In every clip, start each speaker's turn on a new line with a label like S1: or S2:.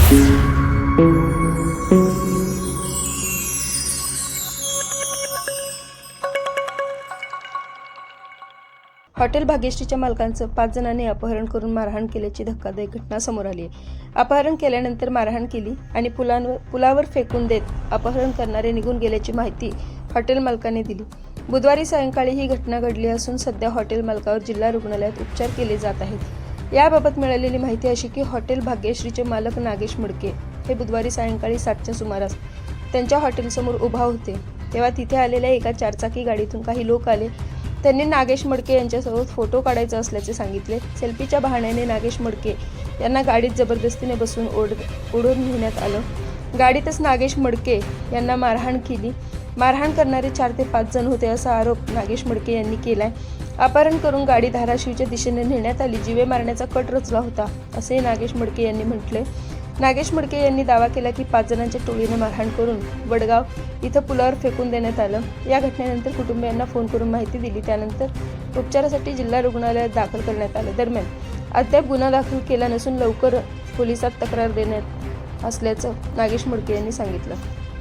S1: Hotel भाग्यश्रीच्या मालकांचं 5 जणांनी अपहरण करून मारहाण केल्याची धक्कादायक घटना समोर आली आहे. अपहरण केल्यानंतर मारहाण केली आणि पुलावर फेकून देत अपहरण करणारे निघून गेल्याची माहिती हॉटेल मालकाने दिली. बुधवारी सायंकाळी ही घटना घडली असून सध्या हॉटेल मालकावर जिल्हा रुग्णालयात उपचार केले जात आहेत. याबाबत मिळालेली माहिती अशी की हॉटेल भाग्यश्रीचे मालक नागेश मुडके हे बुधवारी सायंकाळी 7च्या सुमारास त्यांच्या हॉटेलसमोर उभा होते, तेव्हा तिथे आलेल्या एका 4 चाकी गाडीतून काही लोक आले. त्यांनी नागेश मडके यांच्यासोबत फोटो काढायचा असल्याचे सांगितले. सेल्फीच्या बहाण्याने नागेश मडके यांना गाडीत जबरदस्तीने बसून ओढून नेण्यात आलं. गाडीतच नागेश मडके यांना मारहाण केली. मारहाण करणारे 4 ते 5 जण होते असा आरोप नागेश मडके यांनी केलाय. अपहरण करून गाडी धाराशिवच्या दिशेने नेण्यात आली. जीवे मारण्याचा कट रचला होता असे नागेश मडके यांनी म्हटले. नागेश मडके यांनी दावा केला की 5 जणांच्या टोळीने मारहाण करून वडगाव इथं पुलावर फेकून देण्यात आलं. या घटनेनंतर कुटुंबियांना फोन करून माहिती दिली. त्यानंतर उपचारासाठी जिल्हा रुग्णालयात दाखल करण्यात आलं. दरम्यान अद्याप गुन्हा दाखल केला नसून लवकर पोलिसात तक्रार देण्यात असल्याचं नागेश मडके यांनी सांगितलं.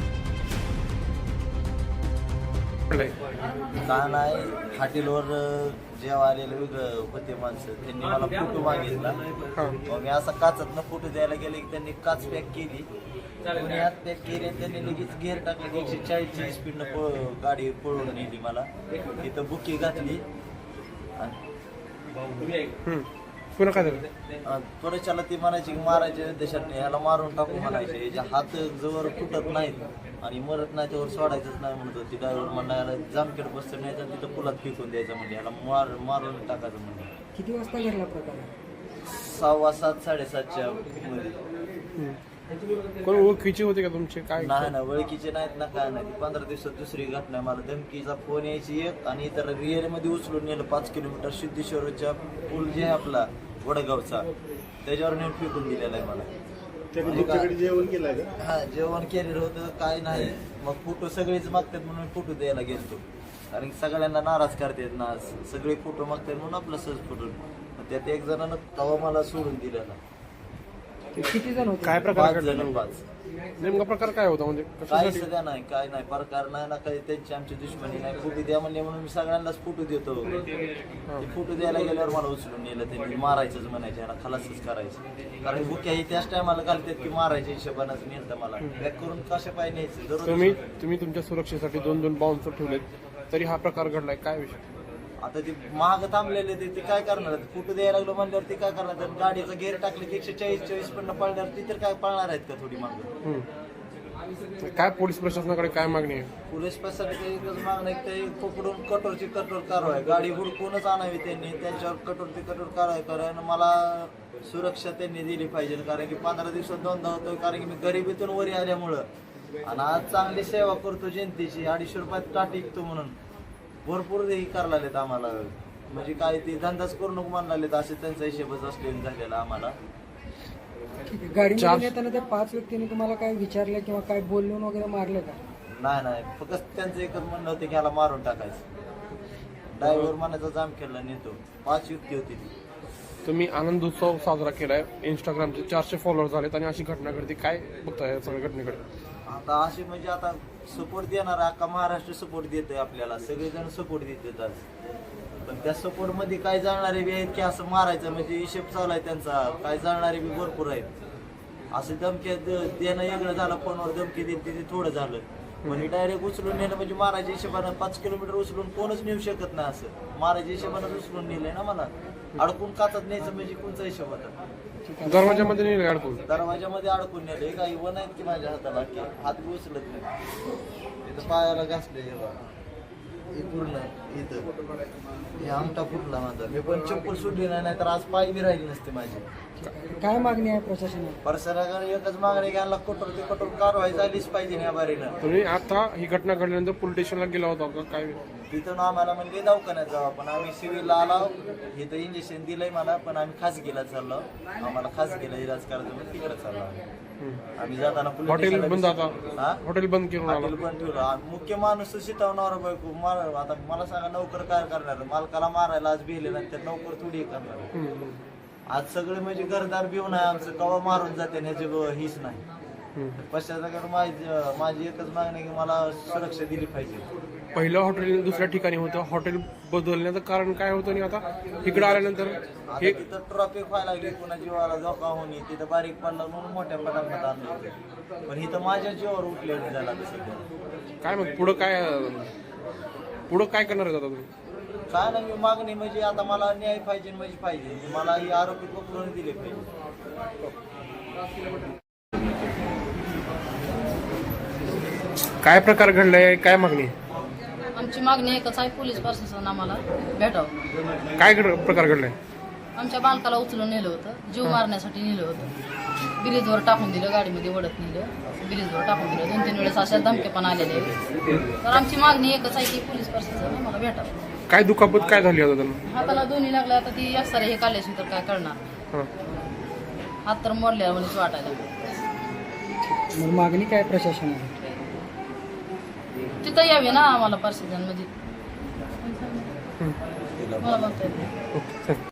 S2: का नाही, हॉटेलवर जेव्हा आलेलं वेगळं होते माणसं, त्यांनी मला फोटो मागितला. मग मी असा काचातनं फोटो द्यायला गेले की त्यांनी काच पॅक केली. कोणी हात पॅक केली, त्यांनी लगेच गेअर टाकलं की 140ची स्पीडनं गाडी पळवून नेली. मला तिथं बुकी घातली
S3: पुन्हा काय झालं?
S2: थोड्याच्याला ती म्हणायची की मारायच्या उद्देशाने ह्याला मारून टाकू म्हणायचे. याच्या हात जवळ फुटत नाहीत आणि मरत नाही त्यावर सोडायचंच नाही म्हणत होती. ड्रायव्हर म्हणायला जामखेड बसतं नाही तर तिथं पुलात फेकून द्यायचं म्हणजे ह्याला मारून टाकायचं म्हणजे.
S4: किती वाजता घडला प्रकार?
S2: 6:15 7:30च्या मध्ये.
S3: कोण ओळखीचे होते का तुमचे? काय
S2: नाही ना, ओळखीचे नाहीत ना, काय नाही. 15 दिवसात दुसरी घटना. मला धमकीचा फोन यायची एक आणि इतर रिअरमध्ये उचलून नेलं 5 किलोमीटर सिद्धेश्वरच्या पूल जे आहे आपला वडगावचा, त्याच्यावर नेऊन फेकून दिलेला आहे मला.
S5: जेवण केलं का?
S2: हा, जेवण केलेलं होतं, काय नाही. मग फोटो सगळेच मागतात म्हणून फोटो द्यायला गेलतो, कारण सगळ्यांना नाराज करतात ना, सगळे फोटो मागतात म्हणून आपला सहज फोटो. त्यात एक जणांना तवा मला सोडून दिलेला.
S4: किती जण होते?
S3: काय प्रकार
S2: 5 जण.
S3: घडला? नेमका प्रकार काय होता म्हणजे
S2: काही
S3: कशासाठी?
S2: सध्या नाही, काय नाही प्रकार नाही ना, काही त्यांची आमची दुश्मनी नाही. फोटो द्या म्हणले म्हणून मी सगळ्यांनाच फोटो देतो. ते फोटो द्यायला गेल्यावर मला उचलून नेलं. त्यांनी मारायचंच म्हणायचे, ह्याला खलासच करायचं. कारण बुक्या ही त्याच टायमाला घालतात की मारायच्या हिशोबानंच नेलं मला. बॅक करून कशा पाय न्यायचं.
S3: तुम्ही तुमच्या सुरक्षेसाठी 2 बाउन्सर ठेवलेत, तरी हा प्रकार घडलाय. काय विषय?
S2: आता ते महाग थांबलेले ते काय करणार? फोटो द्यायला लागलो म्हणल्यावर ते काय करणार? तर गाडीचा गेअर टाकले की 140 पण पळणार, ती तर काय पळणार आहेत का थोडी मागं?
S3: काय पोलीस प्रशासनाकडे काय मागणी आहे?
S2: पोलीस प्रशासनाची एकच मागणं आहे, ते पकडून कठोरची कठोर कारवाई, गाडी हुडकूनच आणावी त्यांनी, त्यांच्यावर कठोरची कठोर कारवाई कारण मला सुरक्षा त्यांनी दिली पाहिजे. कारण की 15 दिवसात 2दा होतो, कारण की मी गरिबीतून वरी आल्यामुळं आणि आज चांगली सेवा करतो जनतेची. 250 रुपयात टाट विकतो म्हणून भरपूर हे करायला लागलेत आम्हाला. म्हणजे काय ते धंदाच करू नको म्हणायला लागलेत, असे त्यांचा हिशेबच असलेला झालेला आम्हाला.
S4: गाडीमध्ये येताना त्या 5 व्यक्तींनी तुम्हाला काय विचारलं किंवा काय बोलून वगैरे मारलं का?
S2: नाही, फक्त त्यांचं एकच म्हणणं होतं की ह्याला मारून टाकायचं. ड्रायव्हर म्हणायचा जाम केला नेतो. 5 युक्ती होती ती.
S3: तुम्ही आनंद उत्सव साजरा केलाय, इंस्टाग्रामचे 400 फॉलोअर झालेत आणि अशी घटना घडते. काय बघताय या सगळ्या घटनेकडे?
S2: आता असे म्हणजे आता सपोर्ट देणार अख्खा महाराष्ट्र सपोर्ट देतोय आपल्याला, सगळेजण सपोर्ट देतात आज. पण त्या सपोर्ट मध्ये काय जाणारे बी आहेत की असं मारायचं म्हणजे हिशेब चालू आहे त्यांचा. काय जाणारे बी भरपूर आहेत. असं धमकी देणं वेगळं झालं, फोनवर धमकी देते ते थोडं झालं. म्हणजे डायरेक्ट उचलून नेलं म्हणजे मारायच्या हिशोबानं 5 किलोमीटर उचलून कोणच नेऊ शकत नाही. असं मारायच्या हिशोबानं उचलून नेलंय ना मला. अडकून काचत न्यायचं म्हणजे कोणचा हिशोब होता?
S3: दरवाजामध्ये नाही अडकून?
S2: दरवाजामध्ये अडकून नेले. काही वन आहेत की माझ्या हाताला की हात बी उचलत नाही. इथं पायाला घासले हे पूर्ण, इथं हे आमटा फुटला माझा. मी पण चप्पल सुटली नाही तर आज पाय बी राहिली नसते माझी.
S4: काय मागणी आहे प्रशासनाला?
S2: प्रशासनाकडे एकच मागणी घ्यायला, कठोर ते कठोर कारवाई झालीच पाहिजे या बारीनं.
S3: तुम्ही आता ही घटना घडल्यानंतर पोलीस स्टेशनला गेला होता का? काय
S2: तिथून आम्हाला म्हणजे दवाखान्यात जाऊ, पण आम्ही सिव्हिलला आलो. इथं इंजेक्शन दिलंय मला, पण आम्ही खासगीला चाललो. आम्हाला खासगीला इलाज करायचं म्हणून तिकडे चाललो आम्ही. जाताना
S3: हॉटेल बंद, आता हॉटेल बंद केलं.
S2: हॉटेल बंद ठेवलं. मुख्य माणूस शिटवणार बायको आता मला सांगा नोकर काय करणार? मालकाला मारायला आज भिले नाही तर नोकर थोडी करणार. आज सगळे म्हणजे घरदार भिवून आहे आमचं, कवा मारून जाते ह्याची हीच नाही. पश्चाताकडे माझी एकच मागणी आहे की मला सुरक्षा दिली पाहिजे.
S3: पहिलं हॉटेल दुसऱ्या ठिकाणी होतं, हॉटेल बदलण्याचं कारण काय होतं आणि आता इकडे आल्यानंतर
S2: आता
S3: हे
S2: तिथं ट्रॉफिक व्हायला लागली, कुणा जीवाला धोका होणे, तिथं बारीक पडला म्हणून मोठ्या पटापट आणलं होतं. पण इथं माझ्या जीवावर उठलेलं झाला सध्या.
S3: काय मग पुढं काय करणार आहेत आता तुम्ही?
S2: काय नाही, मी मागणी म्हणजे आता मला न्याय पाहिजे म्हणजे पाहिजे, मला ही आरोपी पकडून दिले पाहिजे.
S3: काय प्रकार घडलाय, काय मागणी आहे?
S6: आमची मागणी एकच आहे, पोलीस प्रशासन आम्हाला भेटावं.
S3: काय प्रकार घडलाय?
S6: आमच्या बालकाला उचलून नेलं होतं, जीव मारण्यासाठी नेलं होतं, ब्रिजवर टाकून दिलं, गाडीमध्ये ओढत नेलं, ब्रिजवर टाकून दिलं. 2-3 वेळेस अशा धमके पण आलेले आहेत. तर आमची मागणी एकच आहे की पोलीस प्रशासन आम्हाला भेटावं.
S3: काय दुखापत काय झाली आता त्यांना?
S6: हाताला दोन्ही लागल्या, आता ती एक्सरे हे काढल्याशी तर काय करणार,
S3: हां.
S6: हात तर मोडल्या म्हणून वाटायला लागलं.
S4: मग मागणी काय प्रशासनाला?
S6: तिथं यावे ना आम्हाला प्रशासन, म्हणजे मला म्हणता येत नाही.
S3: ओके.